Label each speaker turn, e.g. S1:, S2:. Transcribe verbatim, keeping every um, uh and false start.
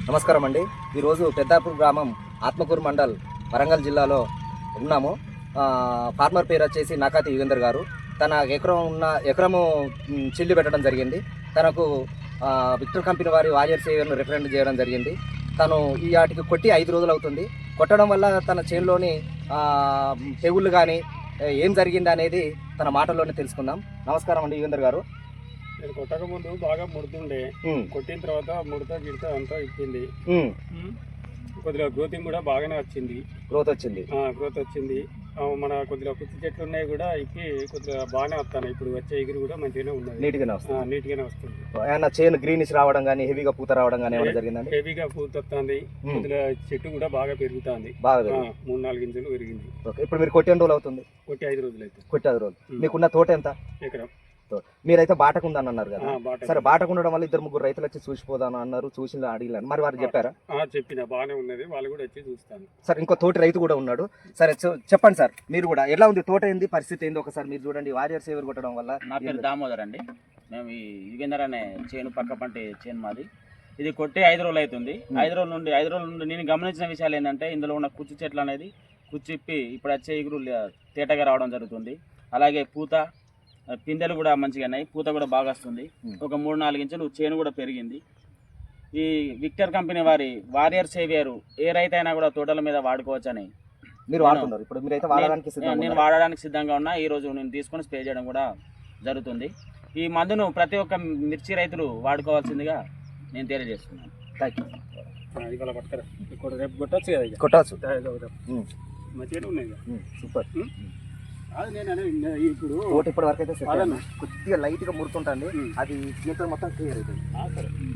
S1: నమస్కారం అండి. ఈరోజు పెద్దాపూర్ గ్రామం ఆత్మకూరు మండల్ వరంగల్ జిల్లాలో ఉన్నాము. ఫార్మర్ పేరు వచ్చేసి నాకాతి యుగేందర్ గారు. తన ఎకరం ఉన్న ఎకరము చిల్లి పెట్టడం జరిగింది. తనకు విక్టర్ కంపెనీ వారి వారియర్ సేవర్ను రిఫరెండ్ చేయడం జరిగింది. తను ఈ వాటికి కొట్టి ఐదు రోజులు అవుతుంది. కొట్టడం వల్ల తన చేనులోని తెగుళ్ళు కానీ ఏం జరిగింది అనేది తన మాటల్లోనే తెలుసుకుందాం. నమస్కారం అండి యుగేందర్ గారు.
S2: నేను కొట్టక ముందు బాగా ముడుతుండే, కొట్టిన తర్వాత ముడత గిడత అంతా ఇచ్చింది. కొద్దిగా గ్రోతింగ్ కూడా బాగానే వచ్చింది.
S1: గ్రోత్ వచ్చింది
S2: గ్రోత్ వచ్చింది మన కొద్దిగా కుత్తి చెట్లు ఉన్నాయి కూడా ఇప్పి కొద్దిగా బాగానే వస్తాను. ఇప్పుడు వచ్చే ఎగురు కూడా మంచిగానే ఉన్నది,
S1: నీట్గానే వస్తుంది.
S2: నీట్గానే వస్తుంది.
S1: ఏమన్నా చేను గ్రీనిష్ రావడం కానీ హెవీగా పూత రావడం కానీ ఏమైనా జరిగిందండి?
S2: హెవీగా పూత వస్తుంది. కొద్దిగా చెట్టు కూడా బాగా పెరుగుతుంది.
S1: బాగా
S2: మూడు నాలుగు ఇంచులు పెరిగింది.
S1: ఇప్పుడు మీరు కొట్టి ఎన్ని రోజులు అవుతుంది?
S2: కొట్టి ఐదు రోజులు అయితే.
S1: కొట్టి ఐదు రోజులు. మీకున్న తోట ఎంత?
S2: ఎకరం.
S1: మీరైతే బాటకు ఉందని అన్నారు కదా. సరే, బాటకు ఉండడం వల్ల ఇద్దరు ముగ్గురు రైతులు వచ్చి చూసిపోదాను అన్నారు. చూసి అడిగినారు, మరి వారు చెప్పారా?
S2: చెప్పిన బాగానే ఉన్నది, వాళ్ళు కూడా వచ్చి చూస్తాను.
S1: సార్, ఇంకో తోటి రైతు కూడా ఉన్నాడు. సరే చెప్పండి సార్, మీరు కూడా ఎలా ఉంది తోట, ఏంది పరిస్థితి ఏంది ఒకసారి మీరు చూడండి. వారియర్ సేవర్ కొట్టడం వల్ల.
S3: నా పేరు దామోదర్ అండి. మేము ఈ యుగేందర్ అనే చేను పక్క పంట చేను మాది. ఇది కొట్టి ఐదు రోజులు అవుతుంది. ఐదు రోజుల నుండి ఐదు రోజుల నుండి నేను గమనించిన విషయాలు ఏంటంటే, ఇందులో ఉన్న కుచ్చు చెట్లు అనేది కుచ్చిప్పి ఇప్పుడు వచ్చే ఎగురు తేటగా రావడం జరుగుతుంది. అలాగే పూత పిందెలు కూడా మంచిగా ఉన్నాయి, పూత కూడా బాగా వస్తుంది. ఒక మూడు నాలుగు ఇంచులు చేను కూడా పెరిగింది. ఈ విక్టర్ కంపెనీ వారి వారియర్ సేవియర్ ఏ రైతు అయినా కూడా తోటల మీద వాడుకోవచ్చని
S1: మీరు వాడుతున్నారు. ఇప్పుడు మీరైతే వాడడానికి
S3: నేను వాడడానికి సిద్ధంగా ఉన్నా. ఈ రోజు నేను తీసుకొని స్ప్రే చేయడం కూడా జరుగుతుంది. ఈ మందును ప్రతి ఒక్క మిర్చి రైతులు వాడుకోవాల్సిందిగా నేను తెలియజేస్తున్నాను.
S1: Thank you.
S2: రేపు కొట్టచ్చు కదా,
S1: కొట్టచ్చు.
S2: మంచిగానే ఉన్నాయి.
S1: సూపర్.
S2: అది నేను ఇప్పుడు
S1: తోట ఇప్పటి వరకు అయితే కొద్దిగా లైట్ గా ముడుతుంటండి, అది మొత్తం క్లియర్ అవుతుంది.